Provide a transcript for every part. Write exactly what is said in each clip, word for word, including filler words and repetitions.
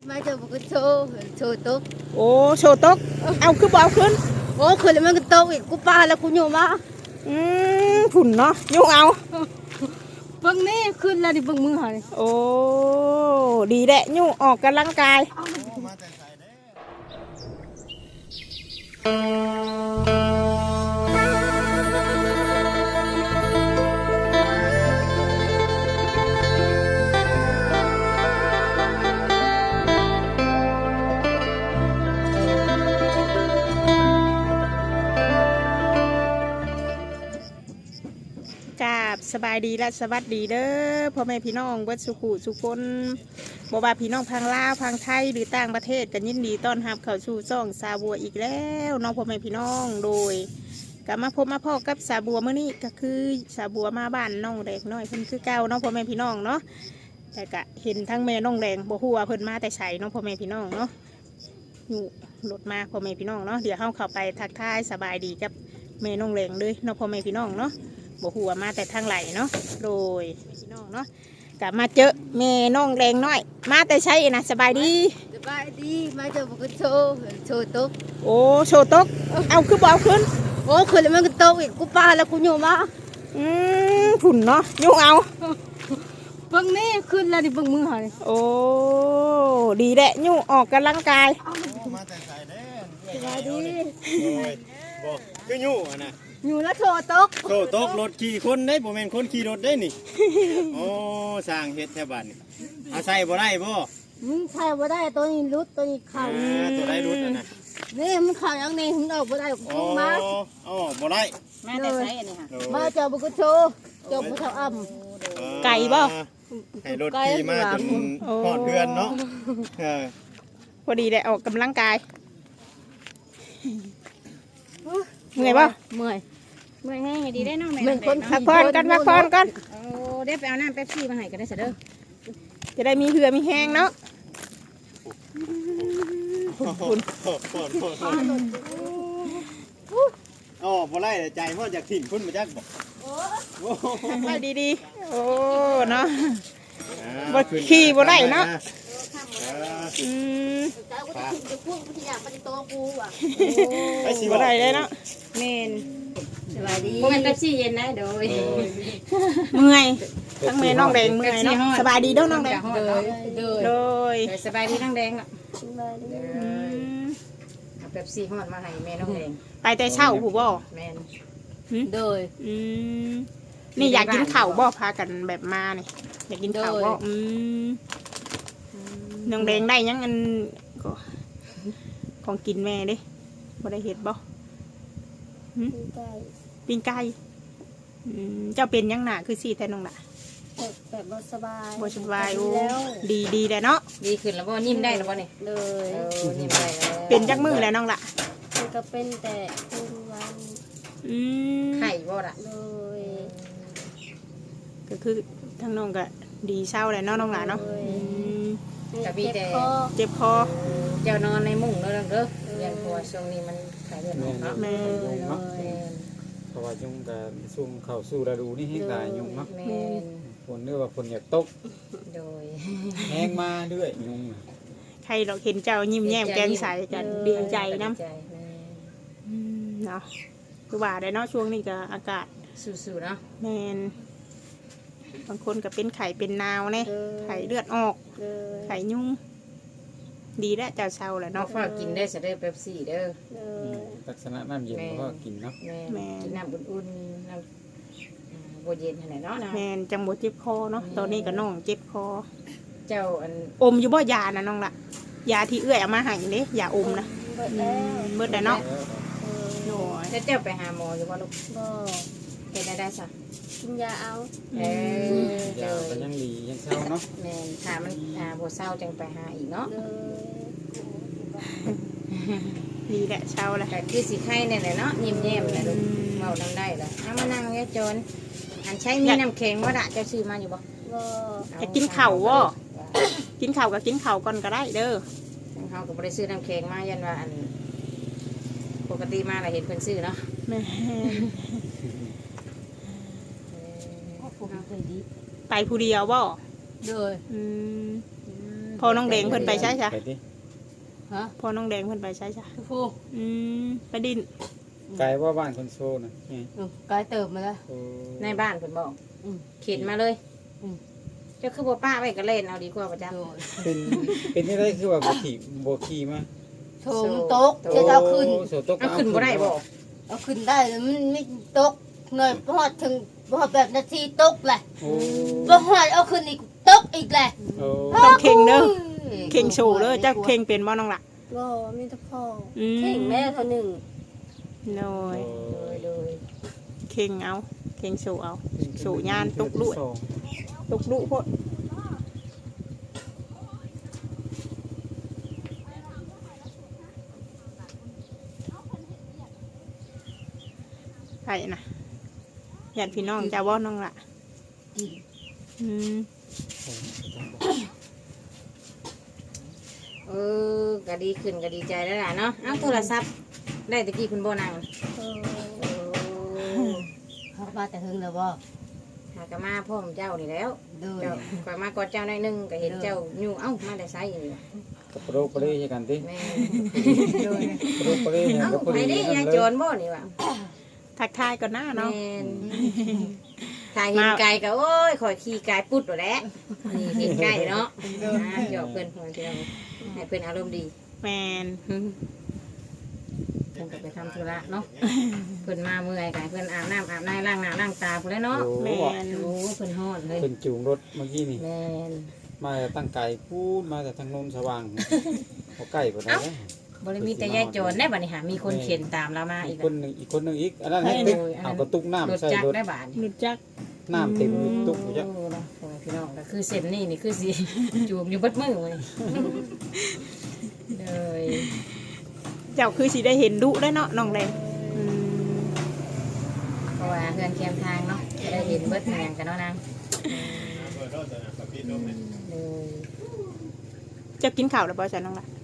มาเจอบุกโชว์โชว์ตุ๊กโอ้โชว์ตกเอาคือบ่เอาขึ้นโอ้คืนแล้วมันก็ตุ๊กอีกกูปาแล้วกูอยู่มาอืมผุ่นเนาะยุ่งเอาเบิ่งนี่ขึ้นแล้วดิเบิ่งมือหานี่โอ้ดีแหละยุ่งออกกำลังกายสบายดีและสวัสดีเด้อพ่อแม่พี่น้องเบิดสุขุสุคนบ่ว่าพี่น้องพังลาวพังไทยหรือต่างประเทศกันยินดีต้อนรับเข้าสู่ช่องสาบัวอีกแล้วน้องพ่อแม่พี่น้องโดยกลับมาพบมาพ่อกับสาบัวเมื่อนี้ก็คือสาบัวมาบ้านน้องแดงน้อยเพิ่นคือเก่าน้องพ่อแม่พี่น้องเนาะแต่ก็เห็นทั้งแม่น้องแดงบ่ฮู้ว่าเพิ่นมาแต่ไสน้องพ่อแม่พี่น้องเนาะอยู่รถมาพ่อแม่พี่น้องเนาะเดี๋ยวเฮาเข้าไปทักทายสบายดีกับแม่น้องแดงเลยน้องพ่อแม่พี่น้องเนาะบ่หัวมาแต่ทางไหลเนาะโดยพี่น้องเนาะกลับมาเจอแม่น้องแรงน้อยมาแต่ใช่นะสบายดีสบายดีมาเจอบุกโชว์โชว์ตุ๊กโอ้โชว์ตกเอาคือบ่เอาขึ้นโอ้คืนแล้วมันก็ตุ๊กอีกกูปาแล้วกูอยู่มาอืมผุ่นเนาะยุ่งเอาเบิ่งนี่ขึ้นแล้วดิเบิ่งมือหานี่โอ้ดีแหละยุ่งออกกำลังกายมาแต่ใส่เด้สบายดีบอกคือยุ่งนะอยู่แล้วโชว์ตุ๊กโชว์ตกรถขี่คนได้บ่แม่นคนขี่รถได้นี่โอ้สร้างเฮ็ดแถวบ้านนี่เอาใส่บ่ได้บ่มึงใช่บ่ได้ตัวนี้รุดตัวนี้เข่าตัวได้รุดนะนี่มันเข่าอย่างนี้มึงออกบ่ได้กูมาอ๋อบ่ได้มาแต่ใส่อันนี้ค่ะมาเจอบุกโชว์เจอบุกเท่าอ่ำไก่บ่ให้รถขี่มาจนพอดเดือนเนาะเออพอดีได้ออกกำลังกายเมื่อยป่ะเมื่อยเมื่อยแห้งดีได้น้องแม่เป็นคนพักผ่อนกันพักผ่อนกันโอ้ได้ไปเอาน้ำเป๊ปซี่มาให้กันได้เสด็จจะได้มีเหือมีแห้งเนาะคุณอ๋อบ่ไล่ใจพ่อจากถิ่นคุณมาจักบอกไปดีๆโอ้เนาะบ่ขี่บ่ได้เนาะอืมไปสิบ่ได้เลยเนาะเมนสบายดีพวกมันเป๊ปซี่เย็นนะโดยเมื่อยทั้งแม่น้องแดงเมื่อยเนาะสบายดีเด้อน้องแดงโดยโดยสบายดีน้องแดงอ่ะสบายดีเป๊ปซี่ฮอดมาให้แม่น้องแดงไปแต่เช้าผู้บ่แม่นโดยอืมนี่อยากกินข้าวบ่พากันแบบมานี่อยากกินข้าวบ่อืมน้องแดงได้ยังอันก็ของกินแม่เด้บ่ได้เห็ดบ่ปิ้งไก่เจ้าเป็นยังหนาคือสี่แทนน้องหนาแบบบ่สบายบ่สบายโอ้ดีดีแหละเนาะดีขึ้นแล้วบ่นิ่มได้แล้วบ่นี่เลยนิ่มได้แล้วเป็นจักมือแล้วน้องละมันก็เป็นแต่คืนวันอืมไข่บ่ล่ะเลยก็คือทั้งน้องก็ดีเศร้าเลยเนาะน้องหลานเนาะกะบีแต่เจ็บคอเจ้านอนในมุ้งเด้อเด้ออย่างเพราะว่าช่วงนี้มันขายเลือดออกเนาะแม่เพราะว่ายุ่งกับซุ่มเข้าสู่ฤดูนี่ให้หลายยุ่งเนาะฝนเนื่อว่าฝนอยากตกโดยแห้งมาด้วยยุ่งใครเราเห็นเจ้ายิ้มแย้มแก้มใสกันดีใจน้ำเนาะคือว่าได้เนาะช่วงนี้ก็อากาศสู้ๆเนาะแมนบางคนก็เป็นไข่เป็นนาวเนี่ยไข่เลือดออกไข่ยุ่งดีแล้วเจ้าเช่าแหละเนาะฝากกินได้จะได้เป๊ปซี่เด้อลักษณะน้ำเย็นก็กินเนาะแม่กินน้ำอุ่นๆน้ำโบเย็นขนาดเนาะแม่จังโบเจ็บคอเนาะตอนนี้ก็น้องเจ็บคอเจ้าอันอมอยู่บ่ยานะน้องละยาที่เอื้อยเอามาให้เนี่ยยาอมนะเบิดแล้วเนาะแล้วเจ้าไปหาหมออยู่บ่ลูกบ่เฮ็ดได้ได้ซะกินยาเอาเออยาก็ยังดียังเศร้าเนาะแม่ถ้ามันอ่าบ่เศร้าจังไปหาอีกเนาะดีแหละเช้าแหละแต่คือสิไข่เนี่ยแหละเนาะยิ้มแย้มเลยลูกเมาทำได้ละเอามานั่งเนี่ยจนอันใช้มีน้ำแข็งว่าด่าเจ้าซื้อมาอยู่บ่จะกินเข่าว่กินเข่ากับกินเข่าก่อนก็ได้เด้อเขาก็บ่ได้ซื้อน้ำแข็งมายันว่าอันปกติมาเราเห็นเพิ่นซื้อเนาะแม่ไปผู้เดียวบ่โดยพพอน้องแดงเพิ่นไปใช่จ้ะไปดิฮะพอน้องแดงเพิ่นไปใช่จ้ะผู้อืมไปดินไกลว่าบ้านคนโซน่ะนี่กายเติบมาแล้วโอ้ในบ้านเพิ่นบอกอืมเข็นมาเลยอืมเจ้าคือบ่ป้าไว้ก็เล่นเอาดีกว่าประจำโดยเป็นเป็นนี่ได้คือว่าบ่ขี่บ่ขี่มาโถมนตกจะเอาขึ้นโอ้โสตกเอาขึ้นบ่ได้บ่เอาขึ้นได้แล้วมันไม่ตกเงยพอดถึงพอแบบนาทีตกแหละโอ้บ่หอดเอาขึ้นอีกตกอีกแหละโอ้ต้องเข่งเด้อเข่งโชว์เด้อเจ้าเข่งเป็นบ่น้องล่ะบ่มีแต่พ่ออืมเข่งแม่เท่านึงโดยโดยโดยเข่งเอาเข่งโชว์เอาโชว์ยานตกลุตกลุโพดไปนะญาติพี่น้องเจ้าบ่น้องล่ะอืมเออก็ดีขึ้นก็ดีใจแล้วล่ะเนาะเอ้าโทรศัพท์ได้ตะกี้คุณบ่นั่งเออโอ้เขามาแต่หึงแล้วบ่หากะมาพ่อมเจ้านี่แล้วโดยเจ้าข่อยมากอดเจ้าหน่อยหนึงก็เห็นเจ้าอยู่เอ้ามาได้ไสนี่ล่ะกับโรคไปเลยกันติแม่โรคไปเลยเอ้ากับพอไปดีดิยายโจรบ่นี่ว่ะทักทายก่อนหน้าเนาะแม่นถ้าเห็นไก่ก็โอ้ยข่อยขี่ไก่ปุ๊ดโดดแหล้วนี่เห็นไก่เนาะอ่าหยอกเพิ่นหัวเดียวให้เพิ่นอารมณ์ดีแมนเพิ่นก็ไปทำธุระเนาะเพิ่นมาเมื่อยไก่เพิ่นอาบน้ำอาบน้ำล้างหน้าล้างตาพุ่นแหล้วเนาะโอ้แมนโอ้เพิ่นฮอดเลยเป็นจูงรถเมื่อกี้นี่แม่นมาจากตั้งไก่พูดมาจากทางโนนสว่างเขาใกล้ปานนั้นบ่ได้มีแต่ยายโจรได้บัดนี้หามีคนเข็นตามเรามาอีอีกกคนหนึ่งอีกคนหนึ่งอีกอันนั้นให้ติ๊กเอากระตุกรน้ำถใส่จักรรถได้บาดนี่รู้จักน้ำเต็มอยู่ตุกอยู่จ้ะโอ้เนาะโอ้ยพี่น้องก็คือเส้นนี่นี่คือสิจูบอยู่เบิดมือเลยเลยเจ้าคือสิได้เห็นดุได้เนาะน้องแดงอืมเพราะว่าเฮือนแคมทางเนาะจะได้เห็นเบิดเหมือนกันเนาะนางเลยเจ้ากินข้าวแล้วบ่จ้ะน้องล่ะ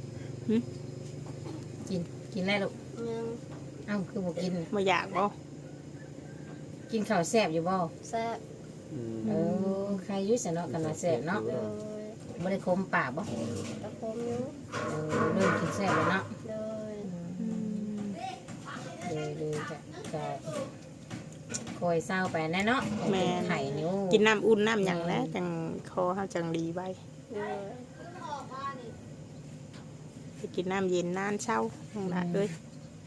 กินกินได้ลูกยังเอ้าคือบ่กินบ่อยากบ่กินข้าวแซ่บอยู่บ่แซ่บอืมเออใครอยุ่สเนาะกันว่าแซ่บเนาะโดยบ่ได้คมปากบ่ตะโคมอยู่เออเริ่มกินแซ่บแล้วเนาะโดยเลยเลยจะจะคอยเศร้าไปแน่เนาะเป็นไข่นิ้วกินน้ำอุ่นน้ำหยังแล้วจังคอเฮาจังดีไว้โดยไปกินน้ำเย็นนานเช้าน้องล่ะเอ้ย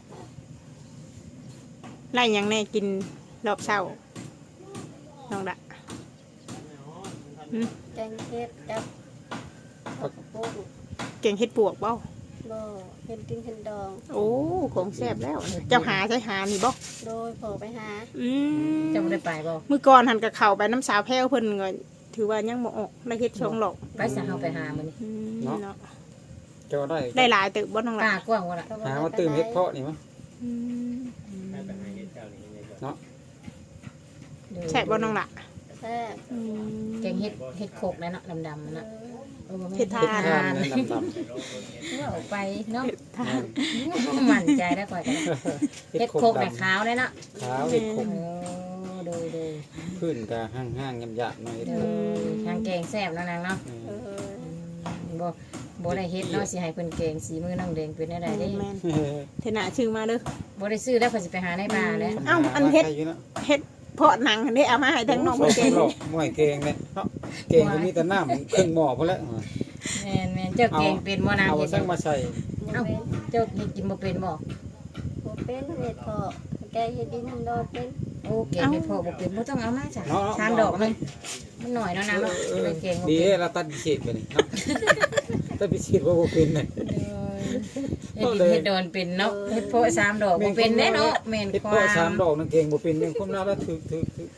ไล่หยังแน่กินรอบเช้าน้องล่ะอืมแกงเห็ดกับผักปุ้งเก่งเฮ็ดปวกบ่บ่เห็ดติ้งเห็ดดองโอ้ของแซ่บแล้ว เจ้าหาใช้หานี่บ่โดยพอไปหาอืมจะไม่ได้ไปบ่มื้อก่อนหันกับเข้าไปน้ำสาวแพ้วเพิ่นก็ถือว่ายังบ่ออกได้เฮ็ดช่องหรอกไปสั่งเอาไปหามันนี่อืมเนาะเจ้าได้ได้หลายตึกบ่น้องป้าล่ะกว้างว่าล่ะหาว่าตื่มเฮ็ดเพาะนี่มั้งอืมเนาะแซ่บบ่น้องล่ะแซ่บอืมแกงเฮ็ดเฮ็ดโคกนะเนาะดำๆมันเอน่ะอเออบ่แม่นเฮ็ดทาเฮ็ดทานนั่นดำเมื่อออกไปเนาะเฮ็ดทานมั่นใจได้ก่อยกันๆเฮ็ดโคกน่ะขาวเลยเนาะขาวเฮ็ดโคโอ้กโดยโดยพื้นก็ห้างๆหยาบๆหน่อยเฮ็ดโดโคกยทางแกงแซ่บเนาะนางเนาะอืเอมออืมบ่บ่ได้เฮ็ดเนาะสิให้เพิ่นแกงสีมือน้องแดงเป็นได้ไดเด้แม่นเทน่าชื่อมาเด้อบ่ได้ซื้อแล้วเพิ่นสิไปหาในป่าแล้วเอ้าอันเฮ็ดใครอยู่นะเฮ็ดเพาะหนังอันนี้เอามาให้ทั้งน้องสเพิ่นเกเก่งงหม้วยเกงเนี่ยเนาะเกงก็มีแต่น้ำครึ่งหม้อพอแล้วแม่นแม่นเจ้าแกงเป็นบ่นางเอาเฮ็ดสั่งมาใส่ยังเอ้าเป็นเจ้าเฮ็ดกินบ่เป็นบ่บ่เป็นเห็ดพอแกงเห็ดดินเห็ดดองเป็นโอ้แกงเฮ็ดพอบ่เป็นบ่ต้องเอามาจ้ะชามดอกหนึงมันหน่อยเนาะนางเนาะจะได้แกงบ่ดีเป็นเราตัดพิเศษไปนี่เนาะตัดพิเศษว่าบ่เป็นเนี่ยเฮ็ดดินเฮ็ดดอนเป็นเนาะเฮ็ดโพะสามดอกบ่เป็นแน่เนาะแม่นเฮ็ดควาเพาะสามมดอกนั่นเกงบ่เป็นยังคมน้าแล้วถึกถึกถึก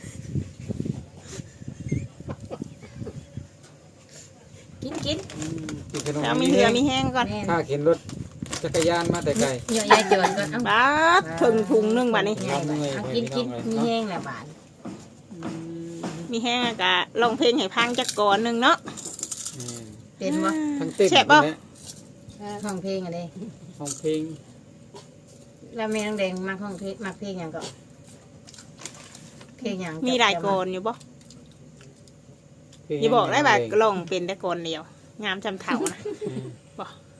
กินกินอืมกินขนมเอามีเหือมีแห้งก่อนแม่นข้าเข็นรถจักรยานมาแต่ไกลเหยาะยายจวนก่อนเอ้าบาดถึงถุงหนึงบัดนี้ใหญ่บัดเอากินกินมีแห้งแหละบาดมีแห้งกะร้องเพลงให้พังจักก่อนหนึงเนาะอืมเป็นบ่ทั้งเต้นแซ่บบ่เนี่ยห้องเพลงอันนี้ห้องเพลงแล้วแม่น้องแดงมักห้องเพลงมักเพลงหยังก็เพลงหยังมีหลายก่อนอยู่บ่เพลงอย่าบอกได้ว่าร้องเป็นแต่ก่อนเดียวงามจำเถ่านะบ่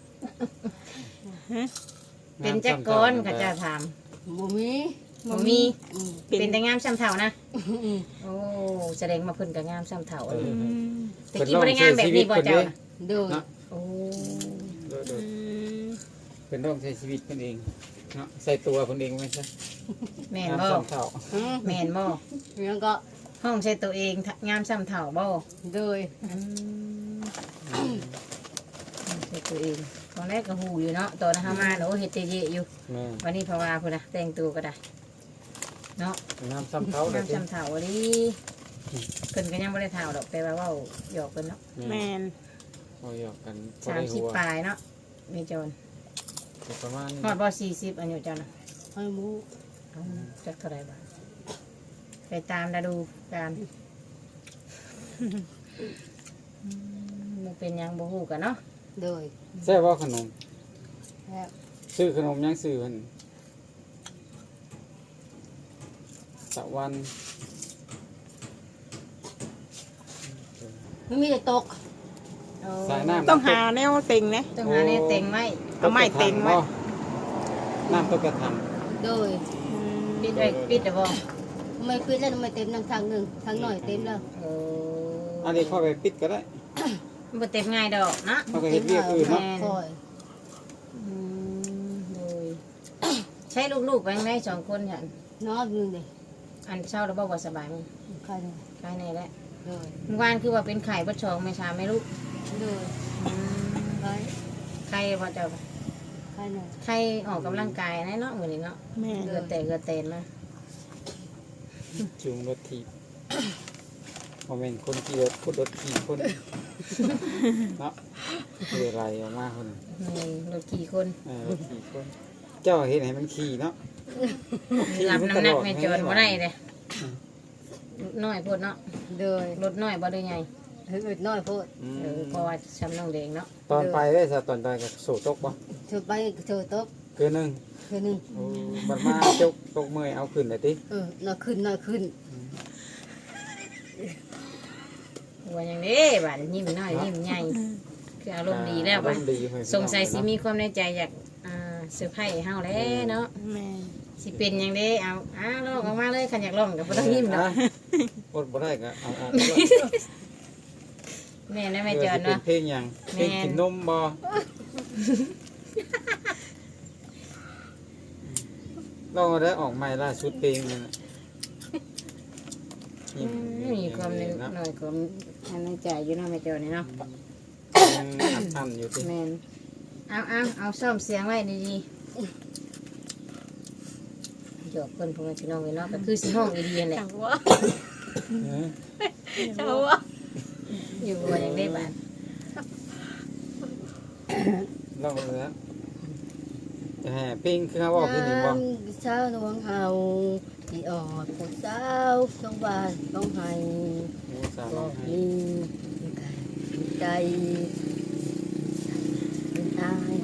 เป็นจักก้อนก็จะถามบ่มีบ่มีอืมเป็นแต่งามซ้ำเฒ่านะอืมโอ้แสดงมาเพิ่นก็งามซ้ำเฒ่าเอออืมแต่กี้บ่ได้งามแบบนี้บ่เจ้าน่ะโดยเนาะโอ้โดยโดอืยมเป็นต้องใช้ชีวิตเพิ่นเองเนาะใส่ตัวเพิ่นเองไม่ใช่แม่นงามบ่ซ้ำเท่าอืมแม่นบ่แล้วก็ห้องใช้ตัวเองงามซ้ำเฒ่าบ่โดยอืมใช้ตัวเองตอนแรกก็ฮู้อยู่เนาะตอนเฮามาโอ้เฮ็ดเตเยอยู่แม่วันนี้เพราะว่าพุ่นน่ะแต่งตัวก็ได้เนาะงามซ้ำเท่าเลงาย มซ้ำเฒ่าดิเพิ่นก็ยังบ่ได้เฒ่าดอกแต่ว่าเว้าหยอกเพิ่นเนาะแม่นพอหยอกกันพอสามได้สิบหัวปลายเนาะมีจนประมาณนี้ฮอดบ่สี่สิบอายุเจ้าน่ะให้หมูเอาจักเท่าไหร่บาทไปตามดาดูการมันเป็นหยังบ่ฮู้กันเนาะโดยใช่ว่าขนมแล้วซื้อขนมยังซื้อเพิ่นตะวันมันมีแต่ตกเอาสายน้ำต้องหาแนวเต็งนะต้องหาแนวเต็งไว้เอาไม้เต็งไว้น้ำต้องกระทโดยปิดไว้ปิดเด้อบ่ไม่ปิดแล้วไม่เต็มทางทางหนึ่งทางหน่อยเต็มแล้วเออำอันนี้เข้าไปปิดก็ได้มันบ่เต็มง่ายดอกนะเข้าไปเฮ็ดเรียกอื่นเนาะคอยอืมโดยใช้ลูกๆไปไหนสองคนหั่นนอนหนึ่งดิอันเช้าแล้วบ่บ่สบายมั้งใครเนี่ยภายในแหละโดยเมื่อวานคือว่าเป็นไข้บ่ชองไม่ชาไม่ลูกโดยอืมใครไข้บ่เจ้าใครเนี่ยไข้ออกกำลังกายนะเนาะมื้อนี้เนาะแม่นเกิดแต่เกิดเตนมาจูงรถถีบโมเมนต์คนขี่รถคนรถขี่คนเนาะเรือไรออกมาคนแม่นรถกี่คนเออรถขี่คน เจ้าเห็นให้มันขี่เนาะขี่รับมัน้ำหนักตลอแม่จอนบ่ได้เลยน้อยโพดเนาะโดยรถน้อยบ่ได้ใหญ่เฮ้ยน้อยโพดอืมเออเพราะว่าช้ำน้องแดงเนาะตอนไปได้สะตอนไปกับโสตกปะเธอไปเธอตกเกินหนึ่งคือหนึ่งโอ้บัดมาจกตกเมื่อยเอาขึ้นเลยติเออน่าขึ้นน่าขึ้นว่าอย่างนี้บาดยิ้มน้อยยิ้มใหญ่คืออารมณ์ดีแล้วอาบาร ดมณ์ดีเฮ้ยสงสัยสิมีความในใจอยากอ่าเซอร์ไพรส์เฮาแล้วเนาะแม่นสิเป็นหยังเด้เอาอ้าลองออกมาเลยคันอยากลองก็บ่ต้องยิ้มดอกอดบ่ได้ก็เอาออกมาด้วยแม่นนะแม่เพื่จออนสิเป็นเนาะเพลงหยังเพลงแม่นกินนมบ่ลองเอาได้ออกใหม่ล่าสุดเพลงนั่นน่ะอืมมีความในเนาะหน่อยความในใจอยู่เนาะแม่จอนนี่เนาะยังอันๆอยู่ติแมนเอาเอาเอาซ่อมเสียงไว้ดีๆหยอกคนพวกนั้นพี่น้องเลยเนาะก็คือสิห้องอีเดียนแหละจังว่าเออจังว่าอยู่ว่าอย่างได้บาทลองเลยนะจะแห่เพลงคือเขาบอกคือนี่บ่เช้าหลวงเฮาที่ออดผู้สาวต้องบ้านต้องให้โอ้สาวบร้ออง กไห้มีใจเป็นอาย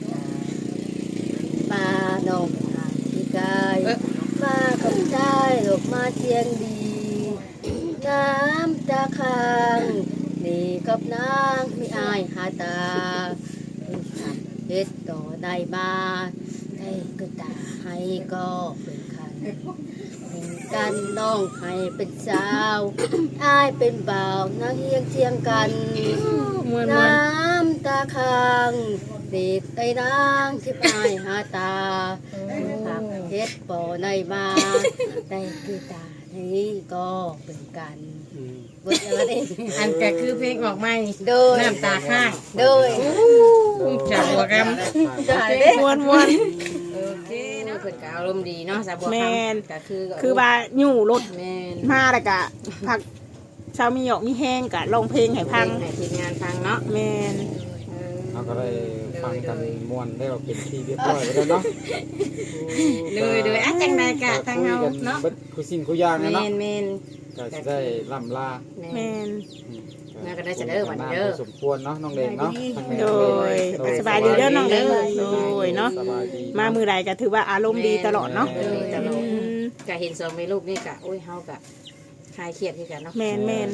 มาน้องอายที่กายมากับใจหลบมาเทียงดี น้ำตาค้างนี่กับนางมีอายหาตาเฮ็ดต่อได้มาได้ก็ตาให้ก็เป็นคันเป็นกันน้องให้เป็นสาวอายเป็นบ่าวนางเฮียงเชียงกันมวนมวน้นำตาค้างเด็กไอ้นางที่อายหาตาหักเฮ็ดบ่อในมาได้คือตานี้ก็เป็นกันอืมเบิดแล้วนี่อันก็คือเพลงออกมานี่โดยน้ำตาข้างโดยจากหัวกจ้าเด้มวนมวนโอเคเนาะเพิ่นก็อารมณ์ดีเนาะสาวบัวแม่คำนก็คือคือว่าอยู่รถแม่นมาแล้วก็พักเช้ามีหยอกมีแห้งกะร้องเพลงให้พังให้ทีมงานฟังเนาะแม่นเออเราก็ได้ฟังกันม่วนได้ว่าเป็นที่เรียบร้อยไปแล้วเนาะเลยเลยอ่ะจังไดกะทางเฮาเนาะคุยกันเบิดคุยสิ่งคุยอย่างแม่นะเนาะนแม่นก็จะได้ล่ำลาแม่นอืมน่าก็ได้จะเด้อวันนี้เด้อสมควรเนาะน้องแดงเนาะทางแม่โดยสบายดีเด้อน้องเด้อโดยเนาะสบายดีมามือใดก็ถือว่าอารมณ์ดีตลอดเนาะเออตลอดอืมกะเห็นสองแม่ลูกนี่กะโอ้ยเฮากะคลายเครียดคือกันเนาะแม่นแม่น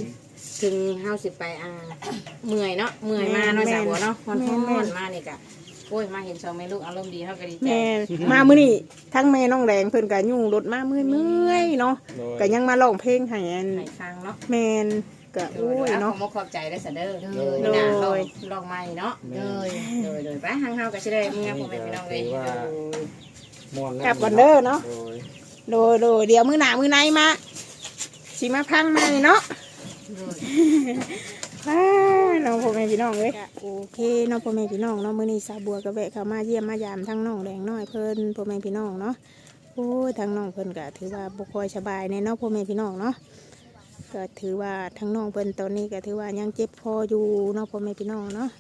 ถึงเฮาสิไปอ่าเมื่อยเนาะเมื่อยมาเนาะสาวบัวเนาะฮ้อนๆมานี่ก็โอ้ยมาเห็นสองแม่ลูกอารมณ์ดีเฮาก็ดีใจแม่มามื้อนี้ทั้งแม่น้องแดงเพิ่นก็ยุ่งรถมาเมื่อยๆเนาะโดยก็ยังมาร้องเพลงให้อันให้ฟังเนาะแม่นก็โอ้ยเนาะเนาะขอขอบใจได้ซะเด้อโดยมื้อหน้าลองลองใหม่เนาะโดยโดยโดยไปทางเฮาก็สิได้เมื่อพ่อแม่พี่น้องเอ้ยถือว่า ม่วนแล้วกลับก่อนเด้อเนาะโดยโดยโดยเดี๋ยวมื้อหน้ามื้อไหนมาสิมาพังใหม่เนาะโดยว้าน้องพ่อแม่พี่น้องเอ้ยโอเคน้องพ่อแม่พี่น้องเนาะมื้อนี้สาวบัวก็แวะเข้ามาเยี่ยมมายามทั้งน้องแดงน้อยเพิ่นพ่อแม่พี่น้องเนาะโอ้ยทั้งน้องเพิ่นก็ถือว่าบ่ค่อยสบายในเนาะพ่อแม่พี่น้องเนาะก็ถือว่าทั้งน้องเพิ่นตอนนี้ก็ถือว่ายังเจ็บคออยู่เนาะพ่อแม่พี่น้องเนาะ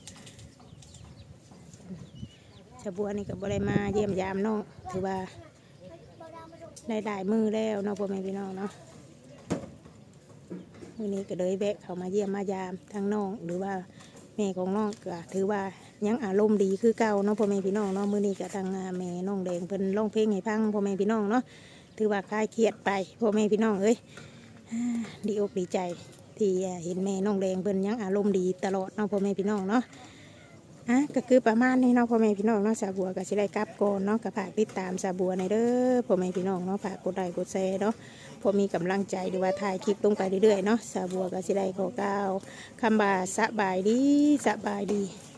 สาวบัวนี่ก็บ่ได้มาเยี่ยมยามน้องถือว่าได้ได้มือแล้วเนาะพ่อแม่พี่น้องเนาะ วันนี้ก็เลยแวะเขามาเยี่ยมมายามทั้งน้องหรือว่าแม่ของน้องก็ถือว่ายังอารมณ์ดีคือเก่าเนาะพ่อแม่พี่น้องเนาะมื้อนี้ก็ทางแม่น้องแดงเพิ่นร้องเพลงให้ฟังพ่อแม่พี่น้องเนาะถือว่าคลายเครียดไปพ่อแม่พี่น้องเอ้ยอ่าดีอกดีใจที่เห็นแม่น้องแดงเพิ่นยังอารมณ์ดีตลอดเนาะพ่อแม่พี่น้องเนาะอ่ะก็คือประมาณนี้เนาะพ่อแม่พี่น้องเนาะสาบัวก็สิได้กลับก่อนเนาะก็ฝากติดตามสาบัวในเด้อพ่อแม่พี่น้องเนาะฝากกดไลค์กดแชร์เนาะ พอมีกำลังใจหรือว่าถ่ายคลิปลงไปเรื่อยๆเนาะสาวบัวก็สิได้ขอกล่าวคำบาสบายดีสบายดี